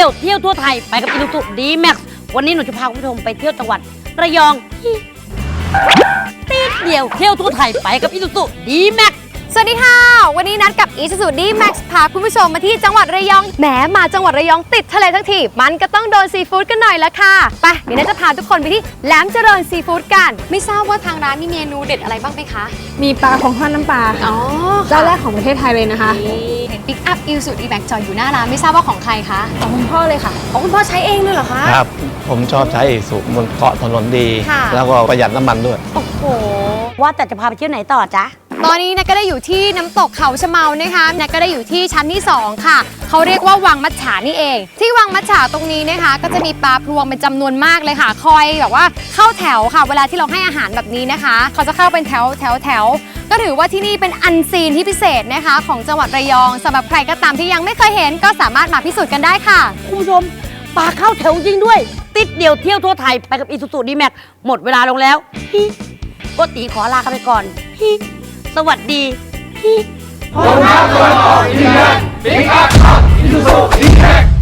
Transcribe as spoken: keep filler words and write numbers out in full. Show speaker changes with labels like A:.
A: ยวเที่ยวทั่วไทยไปกับอีซูซูดีแม็กซ์วันนี้หนูจะพาคุณผู้ชมไปเที่ยวจังหวัดระยองติดเดียวเที่ยวทั่วไทยไปกับอีซูซูดีแม็กซ์
B: สวัสดีค่ะวันนี้นัดกับ Isuzu D-Max พาคุณผู้ชมมาที่จังหวัดระยองแหมมาจังหวัดระยองติดทะเลทั้งทีมันก็ต้องโดนซีฟู้ดกันหน่อยละค่ะไปเดี๋ยวนัดจะพาทุกคนไปที่แหลมเจริญซีฟู้ดกันไม่ทราบว่าทางร้านมีเมนูเด็ดอะไรบ้างไหมคะ
C: มีปลาของทอดน้ำปลาค่ะเจ้าแรกของประเทศไทยเลยนะคะ
B: เห็นปิกอัพ Isuzu D-Max จอดอยู่หน้าร้านไม่ทราบว่าของใครคะ
C: ของคุณพ่อเลยค่ะ
B: ของคุณพ่อใช้เองเลยเหรอคะ
D: ครับผมชอบใช้สูบมันเกาะถนนดีแล้วก็ประหยัดน้ำมันด้วย
B: โอ้โห
A: ว่าแต่จะพาไปเที่ยวไหนต่อจ๊ะ
B: ตอนนี้นักก็ได้อยู่ที่น้ำตกเขาชะเมานะคะนักก็ได้อยู่ที่ชั้นที่สองค่ะเขาเรียกว่าวังมัจฉานี่เองที่วังมัจฉาตรงนี้นะคะก็จะมีปลาพลวงเป็นจำนวนมากเลยค่ะคอยแบบว่าเข้าแถวค่ะเวลาที่เราให้อาหารแบบนี้นะคะเขาจะเข้าเป็นแถวแถวแถวก็ถือว่าที่นี่เป็นอันซีนที่พิเศษนะคะของจังหวัดระยองสำหรับใครก็ตามที่ยังไม่เคยเห็นก็สามารถมาพิสูจน์กันได้ค่ะ
A: คุณผู้ชมปลาเข้าแถวจริงด้วยติดเดียวเที่ยวทั่วไทยไปกับอีซูซูดีแม็กซ์หมดเวลาลงแล้วฮิโกติขอลากันไปก่อนฮิสวัสดีฮิ
E: ผมรักตัวต่อดีแม็กซ์บิ๊กอัพอีซูซูดีแม็กซ์